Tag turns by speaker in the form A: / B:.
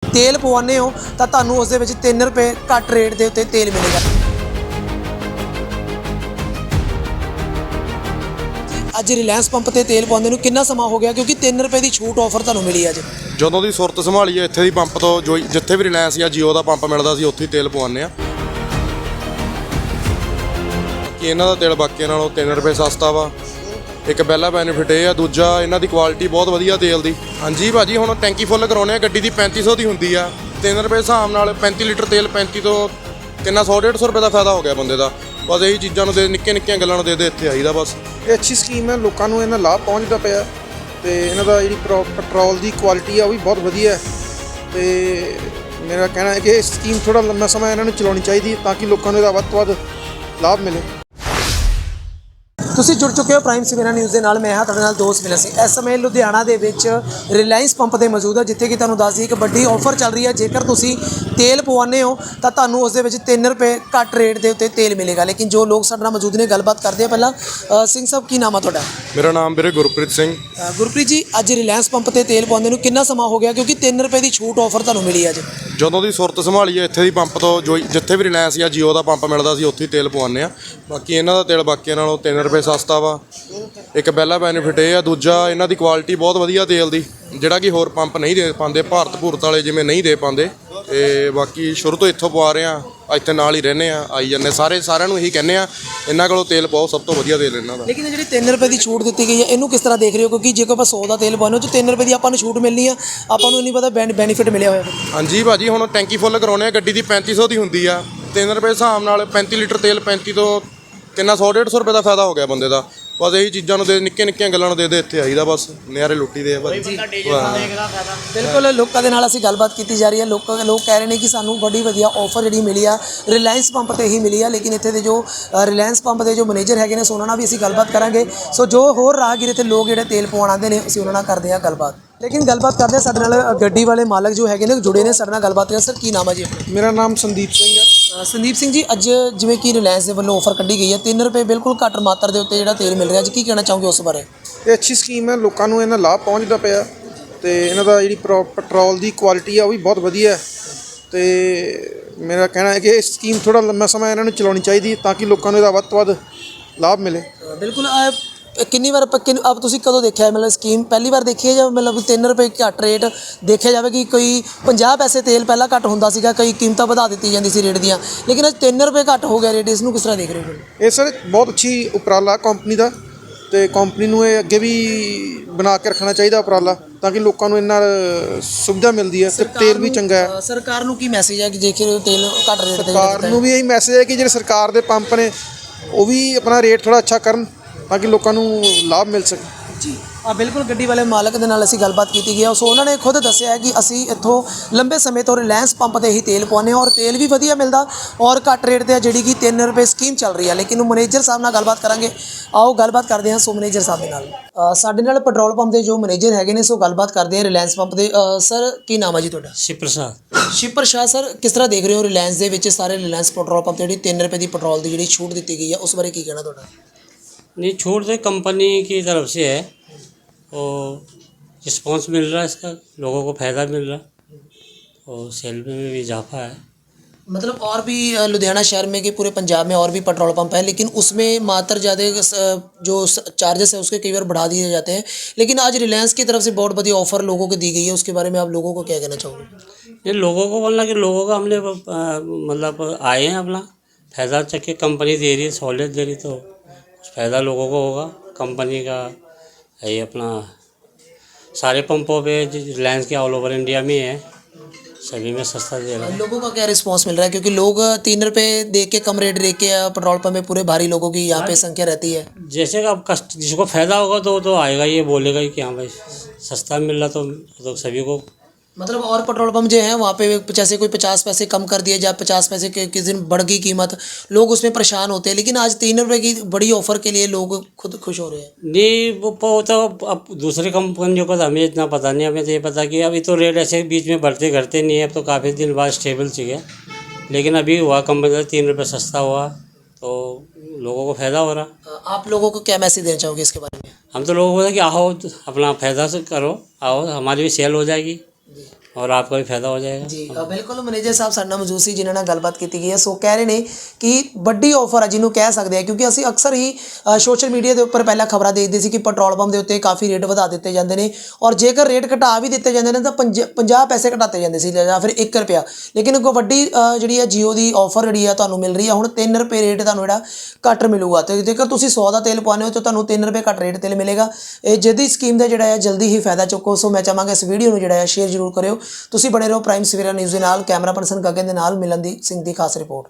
A: तेल पवाने हो तो तुहानूं उस दे विच 3 रुपए घट रेट के उत्ते तेल मिलेगा। अज रिलायंस पंप ते तेल पवाउंदे नूं कितना समा हो गया, क्योंकि 3 रुपए की छूट ऑफर तुहानूं मिली अज।
B: ਜਦੋਂ ਦੀ ਸੁਰਤ ਸੰਭਾਲੀ ਹੈ ਇੱਥੇ ਦੀ ਪੰਪ ਤੋਂ ਜੋ ਜਿੱਥੇ ਵੀ ਰਿਲਾਇੰਸ ਜਾਂ ਜੀਓ ਦਾ ਪੰਪ ਮਿਲਦਾ ਸੀ ਉੱਥੇ ਹੀ ਤੇਲ ਪਵਾਉਂਦੇ ਆ ਕਿ ਇਹਨਾਂ ਦਾ ਤੇਲ ਬਾਕੀਆਂ ਨਾਲੋਂ 3 ਰੁਪਏ ਸਸਤਾ ਵਾ। ਇੱਕ ਪਹਿਲਾ ਬੈਨੀਫਿਟ ਇਹ ਆ, ਦੂਜਾ ਇਹਨਾਂ ਦੀ ਕੁਆਲਿਟੀ ਬਹੁਤ ਵਧੀਆ ਤੇਲ ਦੀ। ਹਾਂਜੀ ਭਾਜੀ, ਹੁਣ ਟੈਂਕੀ ਫੁੱਲ ਕਰਾਉਣੇ ਆ ਗੱਡੀ ਦੀ 3500 ਦੀ ਹੁੰਦੀ ਆ, 3 ਰੁਪਏ ਹਿਸਾਬ ਨਾਲ 35 ਲੀਟਰ ਤੇਲ 35 ਤੋਂ ਕਿੰਨਾ 100-150 ਰੁਪਏ ਦਾ ਫਾਇਦਾ ਹੋ ਗਿਆ ਬੰਦੇ ਦਾ। ਬਸ ਇਹੀ ਚੀਜ਼ਾਂ ਨੂੰ ਦੇ ਨਿੱਕੀਆਂ ਗੱਲਾਂ ਨੂੰ ਦੇ ਇੱਥੇ ਆਈਦਾ ਬਸ।
C: ਇਹ ਅੱਛੀ ਸਕੀਮ ਹੈ, ਲੋਕਾਂ ਨੂੰ ਇਹਨਾਂ ਲਾਭ ਪਹੁੰਚਦਾ ਪਿਆ ਤੇ ਇਹਨਾਂ ਦਾ ਜਿਹੜੀ ਪੈਟਰੋਲ ਦੀ ਕੁਆਲਿਟੀ ਆ ਉਹ ਵੀ ਬਹੁਤ ਵਧੀਆ ਹੈ ਤੇ ਮੇਰਾ ਕਹਿਣਾ ਹੈ ਕਿ ਇਹ ਸਕੀਮ ਥੋੜਾ ਲੰਮਾ ਸਮਾਂ ਇਹਨਾਂ ਨੂੰ ਚਲਾਉਣੀ ਚਾਹੀਦੀ ਤਾਂ ਕਿ ਲੋਕਾਂ ਨੂੰ ਇਹਦਾ ਵੱਧ ਤੋਂ ਵੱਧ ਲਾਭ ਮਿਲੇ।
A: ਤੁਸੀਂ ਜੁੜ ਚੁੱਕੇ ਹੋ ਪ੍ਰਾਈਮ ਸਵੇਰਾ ਨਿਊਜ਼ ਦੇ ਨਾਲ। ਮੈਂ ਹਾਂ ਤੁਹਾਡੇ ਨਾਲ ਦੋਸਤ ਮਿਲਿਆ ਸੀ। ਇਸ ਸਮੇਂ ਲੁਧਿਆਣਾ ਦੇ ਵਿੱਚ ਰਿਲਾਇੰਸ ਪੰਪ ਤੇ ਮੌਜੂਦ ਹੈ, ਜਿੱਥੇ ਕਿ ਤੁਹਾਨੂੰ ਦੱਸ ਦਈਏ ਇੱਕ ਵੱਡੀ ਆਫਰ ਚੱਲ ਰਹੀ ਹੈ। ਜੇਕਰ ਤੁਸੀਂ ਤੇਲ ਪਵਾਉਂਦੇ ਹੋ ਤਾਂ ਤੁਹਾਨੂੰ ਉਸ ਦੇ ਵਿੱਚ 3 ਰੁਪਏ ਘੱਟ ਰੇਟ ਦੇ ਉੱਤੇ ਤੇਲ ਮਿਲੇਗਾ। ਲੇਕਿਨ ਜੋ ਲੋਕ ਸਾਡੇ ਨਾਲ ਮੌਜੂਦ ਨੇ ਗੱਲਬਾਤ ਕਰਦੇ ਆ। ਪਹਿਲਾਂ ਸਿੰਘ ਸਾਹਿਬ, ਕੀ ਨਾਮ ਆ ਤੁਹਾਡਾ?
B: ਮੇਰਾ ਨਾਮ ਵੀਰੇ ਗੁਰਪ੍ਰੀਤ ਸਿੰਘ।
A: ਗੁਰਪ੍ਰੀਤ ਜੀ, ਅੱਜ ਰਿਲਾਇੰਸ ਪੰਪ ਤੇ ਤੇਲ ਪਵਾਉਂਦੇ ਨੂੰ ਕਿੰਨਾ ਸਮਾਂ ਹੋ ਗਿਆ, ਕਿਉਂਕਿ 3 ਰੁਪਏ ਦੀ ਛੂਟ ਆਫਰ ਤੁਹਾਨੂੰ ਮਿਲੀ ਅੱਜ?
B: ਜਦੋਂ ਦੀ ਸੁਰਤ ਸੰਭਾਲੀ ਹੈ ਇੱਥੇ ਦੀ ਪੰਪ ਤੋਂ ਜੋ ਜਿੱਥੇ ਵੀ ਰਿਲਾਇੰਸ ਜਾਂ ਜੀਓ ਦਾ ਪੰਪ ਮਿਲਦਾ ਸੀ ਉੱਥੇ ਹੀ ਤੇਲ ਪਵਾਉਂਦੇ ਆ। ਬਾਕੀ ਇਹਨਾਂ ਦਾ ਤੇਲ ਬਾਕੀਆਂ ਨਾਲੋਂ 3 ਰੁਪਏ ਸਸਤਾ ਵਾ। ਇੱਕ ਪਹਿਲਾ ਬੈਨੀਫਿਟ ਇਹ ਆ, ਦੂਜਾ ਇਹਨਾਂ ਦੀ ਕੁਆਲਿਟੀ ਬਹੁਤ ਵਧੀਆ ਤੇਲ ਦੀ, ਜਿਹੜਾ ਕਿ ਹੋਰ ਪੰਪ ਨਹੀਂ ਦੇ ਪਾਉਂਦੇ, ਭਾਰਤ ਭੂਰਤ ਵਾਲੇ ਜਿਵੇਂ ਨਹੀਂ ਦੇ ਪਾਉਂਦੇ। ਤੇ ਬਾਕੀ ਸ਼ੁਰੂ ਤੋਂ ਇੱਥੋਂ ਪਵਾ ਰਹੇ ਆ, ਇੱਥੇ ਨਾਲ ਹੀ ਰਹਿੰਦੇ ਆ, ਆਈ ਜਾਂਦੇ ਸਾਰਿਆਂ ਨੂੰ ਇਹੀ ਕਹਿੰਦੇ ਆ ਇਹਨਾਂ ਕੋਲੋਂ ਤੇਲ ਬਹੁਤ ਸਭ ਤੋਂ ਵਧੀਆ ਤੇਲ ਇਹਨਾਂ ਦਾ।
A: ਲੇਕਿਨ ਜਿਹੜੀ 3 ਰੁਪਏ ਦੀ ਛੂਟ ਦਿੱਤੀ ਗਈ ਹੈ, ਇਹਨੂੰ ਕਿਸ ਤਰ੍ਹਾਂ ਦੇਖ ਰਹੇ ਹੋ? ਕਿਉਂਕਿ ਜੇਕਰ ਆਪਾਂ 100 ਦਾ ਤੇਲ ਪਾਉਂਦੇ ਹੋ ਤਾਂ 3 ਰੁਪਏ ਦੀ ਆਪਾਂ ਨੂੰ ਛੂਟ ਮਿਲਣੀ ਆ, ਆਪਾਂ ਨੂੰ ਨਹੀਂ ਪਤਾ ਬੈਨੀਫਿਟ ਮਿਲਿਆ ਹੋਇਆ।
B: ਹਾਂਜੀ ਭਾਜੀ, ਹੁਣ ਟੈਂਕੀ ਫੁੱਲ ਕਰਾਉਣੇ ਆ ਗੱਡੀ ਦੀ 3500 ਦੀ ਹੁੰਦੀ ਆ, 3 ਰੁਪਏ ਹਿਸਾਬ ਨਾਲ 35 ਲੀਟਰ ਤੇਲ 35 ਤੋਂ ਕਿੰਨਾ 100-150 ਰੁਪਏ ਦਾ ਫਾਇਦਾ ਹੋ ਗਿਆ ਬੰਦੇ ਦਾ। ਬਸ ਇਹੀ ਚੀਜ਼ਾਂ ਨੂੰ ਦੇ ਨਿੱਕੀਆਂ ਗੱਲਾਂ ਨੂੰ ਦੇ ਇੱਥੇ ਆਈਦਾ ਬਸ। ਨਿਆਰੇ ਲੁੱਟੀ ਦੇ ਆ ਭਾਜੀ।
A: ਬਿਲਕੁਲ, ਲੋਕਾਂ ਦੇ ਨਾਲ ਅਸੀਂ ਗੱਲਬਾਤ ਕੀਤੀ ਜਾ ਰਹੀ ਹੈ। ਲੋਕ ਕਹਿ ਰਹੇ ਨੇ ਕਿ ਸਾਨੂੰ ਬੜੀ ਵਧੀਆ ਆਫਰ ਜਿਹੜੀ ਮਿਲੀ ਆ ਰਿਲਾਇੰਸ ਪੰਪ ਤੇ ਹੀ ਮਿਲੀ ਆ। ਲੇਕਿਨ ਇੱਥੇ ਦੇ ਜੋ ਰਿਲਾਇੰਸ ਪੰਪ ਦੇ ਜੋ ਮੈਨੇਜਰ ਹੈਗੇ ਨੇ, ਸੋ ਉਹਨਾਂ ਨਾਲ ਵੀ ਅਸੀਂ ਗੱਲਬਾਤ ਕਰਾਂਗੇ। ਸੋ ਜੋ ਹੋਰ ਰਾਹਗੀਰ ਇੱਥੇ ਲੋਕ ਜਿਹੜੇ ਤੇਲ ਪਵਾਉਣ ਆਉਂਦੇ ਨੇ, ਅਸੀਂ ਉਹਨਾਂ ਨਾਲ ਕਰਦੇ ਹਾਂ ਗੱਲਬਾਤ। ਲੇਕਿਨ ਗੱਲਬਾਤ ਕਰਦੇ ਹਾਂ, ਸਾਡੇ ਨਾਲ ਗੱਡੀ ਵਾਲੇ ਮਾਲਕ ਜੋ ਹੈਗੇ ਨੇ ਜੁੜੇ ਨੇ, ਸਾਡੇ ਨਾਲ ਗੱਲਬਾਤ ਕਰਾਂ। ਸਰ, ਕੀ ਨਾਮ ਹੈ ਜੀ?
C: ਮੇਰਾ ਨਾਮ ਸੰਦੀਪ ਸਿੰਘ ਹੈ।
A: ਸੰਦੀਪ ਸਿੰਘ ਜੀ, ਅੱਜ ਜਿਵੇਂ ਕਿ ਰਿਲਾਇੰਸ ਦੇ ਵੱਲੋਂ ਆਫਰ ਕੱਢੀ ਗਈ ਹੈ, 3 ਰੁਪਏ ਬਿਲਕੁਲ ਘੱਟ ਮਾਤਰਾ ਦੇ ਉੱਤੇ ਜਿਹੜਾ ਤੇਲ ਮਿਲ ਰਿਹਾ, ਅੱਜ ਕੀ ਕਹਿਣਾ ਚਾਹੋਗੇ ਉਸ ਬਾਰੇ?
C: ਇਹ ਅੱਛੀ ਸਕੀਮ ਹੈ, ਲੋਕਾਂ ਨੂੰ ਇਹਨਾਂ ਲਾਭ ਪਹੁੰਚਦਾ ਪਿਆ ਤੇ ਇਹਨਾਂ ਦਾ ਜਿਹੜੀ ਪੈਟਰੋਲ ਦੀ ਕੁਆਲਿਟੀ ਆ ਉਹ ਵੀ ਬਹੁਤ ਵਧੀਆ ਹੈ ਤੇ ਮੇਰਾ ਕਹਿਣਾ ਹੈ ਕਿ ਇਹ ਸਕੀਮ ਥੋੜਾ ਲੰਮਾ ਸਮਾਂ ਇਹਨਾਂ ਨੂੰ ਚਲਾਉਣੀ ਚਾਹੀਦੀ ਤਾਂ ਕਿ ਲੋਕਾਂ ਨੂੰ ਇਹਦਾ ਵੱਧ ਤੋਂ ਵੱਧ ਲਾਭ ਮਿਲੇ।
A: ਬਿਲਕੁਲ। ਕਿੰਨੀ ਵਾਰ ਆਪ ਤੁਸੀਂ ਕਦੋਂ ਦੇਖਿਆ, ਮਤਲਬ ਸਕੀਮ ਪਹਿਲੀ ਵਾਰ ਦੇਖੀ ਹੈ ਜਾਂ ਮਤਲਬ 3 ਰੁਪਏ ਘੱਟ ਰੇਟ ਦੇਖਿਆ ਜਾਵੇ ਕਿ ਕੋਈ 50 ਪੈਸੇ ਤੇਲ ਪਹਿਲਾਂ ਘੱਟ ਹੁੰਦਾ ਸੀਗਾ, ਕਈ ਕੀਮਤਾਂ ਵਧਾ ਦਿੱਤੀ ਜਾਂਦੀ ਸੀ ਰੇਟ ਦੀਆਂ, ਲੇਕਿਨ ਅੱਜ 3 ਰੁਪਏ ਘੱਟ ਹੋ ਗਿਆ ਰੇਟ, ਇਸ ਨੂੰ ਕਿਸ ਤਰ੍ਹਾਂ ਦੇਖ ਰਹੇ ਹੋ?
C: ਇਹ ਸਰ ਬਹੁਤ ਅੱਛੀ ਉਪਰਾਲਾ ਕੰਪਨੀ ਦਾ ਤੇ ਕੰਪਨੀ ਨੂੰ ਇਹ ਅੱਗੇ ਵੀ ਬਣਾ ਕੇ ਰੱਖਣਾ ਚਾਹੀਦਾ ਉਪਰਾਲਾ ਤਾਂ ਕਿ ਲੋਕਾਂ ਨੂੰ ਇਹਨਾਂ ਸੁਵਿਧਾ ਮਿਲਦੀ ਹੈ ਤੇ ਤੇਲ ਵੀ ਚੰਗਾ ਹੈ।
A: ਸਰਕਾਰ ਨੂੰ ਕੀ ਮੈਸੇਜ ਹੈ ਕਿ ਜੇਕਰ ਤੇਲ ਘੱਟ ਰੇਟ ਤੇ?
C: ਸਰਕਾਰ ਨੂੰ ਵੀ ਇਹੀ ਮੈਸੇਜ ਹੈ ਕਿ ਜਿਹੜੇ ਸਰਕਾਰ ਦੇ ਪੰਪ ਨੇ ਉਹ ਵੀ ਆਪਣਾ ਰੇਟ ਥੋੜ੍ਹਾ ਅੱਛਾ ਕਰਨ ਤਾਂ ਕਿ ਲੋਕਾਂ ਨੂੰ ਲਾਭ ਮਿਲ ਸਕੇ।
A: ਜੀ ਬਿਲਕੁਲ, ਗੱਡੀ ਵਾਲੇ ਮਾਲਕ ਦੇ ਨਾਲ ਅਸੀਂ ਗੱਲਬਾਤ ਕੀਤੀ ਗਈ। ਸੋ ਉਹਨਾਂ ਨੇ ਖੁਦ ਦੱਸਿਆ ਹੈ ਕਿ ਅਸੀਂ ਇੱਥੋਂ ਲੰਬੇ ਸਮੇਂ ਤੋਂ ਰਿਲਾਇੰਸ ਪੰਪ ਤੇ ਹੀ ਤੇਲ ਪਵਾਉਂਦੇ ਹਾਂ ਔਰ ਤੇਲ ਵੀ ਵਧੀਆ ਮਿਲਦਾ ਔਰ ਘੱਟ ਰੇਟ ਤੇ ਜਿਹੜੀ ਕਿ 3 ਰੁਪਏ ਸਕੀਮ ਚੱਲ ਰਹੀ ਹੈ। ਲੇਕਿਨ ਮੈਨੇਜਰ ਸਾਹਿਬ ਨਾਲ ਗੱਲਬਾਤ ਕਰਾਂਗੇ, ਆਓ ਗੱਲਬਾਤ ਕਰਦੇ ਹਾਂ। ਸੋ ਮੈਨੇਜਰ ਸਾਹਿਬ ਦੇ ਨਾਲ ਸਾਡੇ ਨਾਲ ਪੈਟਰੋਲ ਪੰਪ ਦੇ ਜੋ ਮੈਨੇਜਰ ਹੈਗੇ ਨੇ, ਸੋ ਗੱਲਬਾਤ ਕਰਦੇ ਹਾਂ ਰਿਲਾਇੰਸ ਪੰਪ ਦੇ। ਸਰ, ਕੀ ਨਾਮ ਹੈ ਜੀ ਤੁਹਾਡਾ? ਸ਼ਿਵ ਪ੍ਰਸਾਦ ਸਰ, ਕਿਸ ਤਰ੍ਹਾਂ ਦੇਖ ਰਹੇ ਹੋ ਰਿਲਾਇੰਸ ਦੇ ਵਿੱਚ ਸਾਰੇ ਰਿਲਾਇੰਸ ਪੈਟਰੋਲ ਪੰਪ ਤੇ ਜਿਹੜੀ 3 ਰੁਪਏ ਦੀ ਪੈਟਰੋਲ ਦੀ ਜਿਹੜੀ ਛੂਟ ਦਿੱਤੀ ਗਈ ਹੈ, ਉਸ ਬਾਰੇ ਕੀ ਕਹਿਣਾ ਤੁਹਾਡਾ?
D: नहीं, छूट तो कंपनी की तरफ से है और रिस्पॉन्स मिल रहा है, इसका लोगों को फ़ायदा मिल रहा और सेल में भी इजाफा है।
A: मतलब और भी लुधियाना शहर में कि पूरे पंजाब में और भी पेट्रोल पंप है, लेकिन उसमें मात्र ज़्यादा जो चार्जेस है उसके कई बार बढ़ा दिए जाते हैं। लेकिन आज रिलायंस की तरफ से बहुत बड़ी ऑफ़र लोगों को दी गई है, उसके बारे में आप लोगों को क्या कहना चाहोगे?
D: ये लोगों को बोलना कि लोगों का हमने मतलब आए हैं अपना फ़ायदा चक्के, कंपनी दे रही है, सहूलियत दे रही, तो फ़ायदा लोगों को होगा। कंपनी का ये अपना सारे पंपों पे रिलायंस के ऑल ओवर इंडिया में है, सभी में सस्ता दे रहा है।
A: लोगों का क्या रिस्पांस मिल रहा है, क्योंकि लोग 3 रुपए दे के कम रेट दे के पेट्रोल पंप में पूरे भारी लोगों की यहाँ पे संख्या रहती है।
D: जैसे कि अब जिसको फ़ायदा होगा तो आएगा, ये बोलेगा कि हाँ भाई सस्ता मिल रहा तो सभी को।
A: मतलब और पेट्रोल पंप जो है वहाँ पे जैसे कोई 50 पैसे कम कर दिए, जब 50 पैसे के किस दिन बढ़ गई कीमत, लोग उसमें परेशान होते हैं, लेकिन आज 3 रुपए की बड़ी ऑफर के लिए लोग खुद खुश हो रहे हैं।
D: नहीं, वो तो अब दूसरी कंपनियों का हमें इतना पता नहीं, हमें तो ये पता कि अभी तो रेट ऐसे बीच में बढ़ते घटते नहीं है, अब तो काफ़ी दिन बाद स्टेबल चाहिए। लेकिन अभी हुआ कंपनी 3 रुपये सस्ता हुआ तो लोगों को फ़ायदा हो रहा।
A: आप लोगों को क्या मैसेज देना चाहोगे इसके बारे में?
D: हम तो लोगों को बोला कि आओ अपना फ़ायदा से करो, आओ हमारी भी सेल हो जाएगी। और आपका भी फायदा हो जाएगा।
A: ਜੀ ਬਿਲਕੁਲ ਮੈਨੇਜਰ ਸਾਹਿਬ ਸਾਡੇ ਨਾਲ ਮੌਜੂਦ ਸੀ ਜਿਨ੍ਹਾਂ ਨਾਲ ਗੱਲਬਾਤ ਕੀਤੀ ਗਈ ਹੈ। ਸੋ ਕਹਿ ਰਹੇ ਨੇ ਕਿ ਵੱਡੀ ਆਫਰ ਹੈ ਜਿਹਨੂੰ ਕਹਿ ਸਕਦੇ ਆ, ਕਿਉਂਕਿ ਅਸੀਂ ਅਕਸਰ ਹੀ ਸੋਸ਼ਲ ਮੀਡੀਆ ਦੇ ਉੱਪਰ ਪਹਿਲਾਂ ਖਬਰਾਂ ਦੇਖਦੇ ਸੀ ਕਿ ਪੈਟਰੋਲ ਪੰਪ ਦੇ ਉੱਤੇ ਕਾਫੀ ਰੇਟ ਵਧਾ ਦਿੱਤੇ ਜਾਂਦੇ ਨੇ, ਔਰ ਜੇਕਰ ਰੇਟ ਘਟਾ ਵੀ ਦਿੱਤੇ ਜਾਂਦੇ ਨੇ ਤਾਂ 50 ਪੈਸੇ ਘਟਾਤੇ ਜਾਂਦੇ ਸੀ ਜਾਂ ਫਿਰ 1 ਰੁਪਿਆ। ਲੇਕਿਨ ਇੱਕ ਵੱਡੀ ਜਿਹੜੀ ਹੈ ਜੀਓ ਦੀ ਆਫਰ ਜਿਹੜੀ ਆ ਤੁਹਾਨੂੰ ਮਿਲ ਰਹੀ ਆ, ਹੁਣ 3 ਰੁਪਏ ਰੇਟ ਤੁਹਾਨੂੰ ਜਿਹੜਾ ਘੱਟ ਮਿਲੂਗਾ। ਤੇ ਜੇਕਰ ਤੁਸੀਂ 100 ਦਾ ਤੇਲ ਪਾਉਂਦੇ ਹੋ ਤਾਂ ਤੁਹਾਨੂੰ 3 ਰੁਪਏ ਘੱਟ ਰੇਟ ਤੇਲ ਮਿਲੇਗਾ। ਇਹ ਜਿਹਦੀ ਸਕੀਮ ਦਾ ਜਿਹੜਾ ਹੈ ਜਲਦੀ ਹੀ ਫਾਇਦਾ ਚੁੱਕੋ। ਸੋ ਮੈਂ ਚਾਹਾਂਗਾ ਇਸ ਵੀਡੀਓ ਨੂੰ ਜਿਹੜਾ ਹੈ ਸ਼ੇਅਰ ਜ਼ਰੂਰ ਕਰਿਓ। ਤੁਸੀਂ ਬਣੇ ਰਹੋ ਪ੍ਰਾਈਮ ਸਵੇਰਾ ਨਿਊਜ਼ ਦੇ ਨਾਲ। ਕੈਮਰਾ ਪਰਸਨ ਗਗਨ ਦੇ ਨਾਲ ਮਿਲਨਦੀਪ ਸਿੰਘ ਦੀ ਖਾਸ ਰਿਪੋਰਟ।